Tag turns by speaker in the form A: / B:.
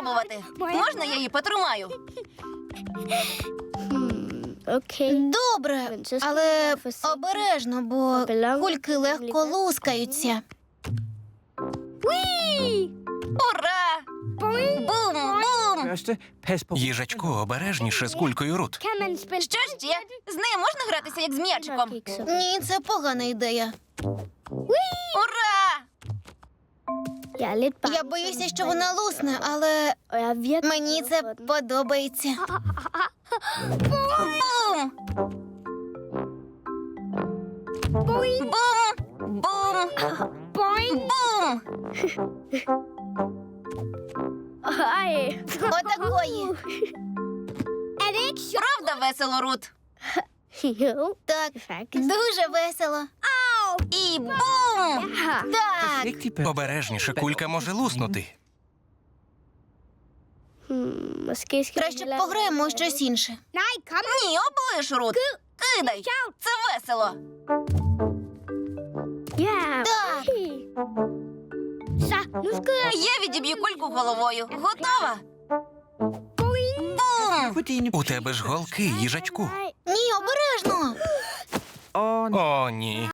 A: спробувати. Можна я її потримаю?
B: Окей.
A: Добре, але обережно, бо кульки легко лускаються. Ура! Бум-бум!
C: Їжачку, обережніше з кулькою Рут.
A: Що ще? З нею можна гратися, як з м'ячиком? Ні, це погана ідея. Ура! Я боюся, що вона лусне, але мені це подобається. Бум! Бум! Бум! Бум! Отакої. Правда весело, Рут? Так, дуже весело. І бум! Так.
C: Обережніше, кулька може луснути.
A: Краще б пограємо у щось інше. Ні, облиш, Рут. Кидай. Це весело. Так. Я відіб'ю кульку головою. Готова? Бум!
C: У тебе ж голки, їжачку.
A: Ні, обережно.
C: О, ні.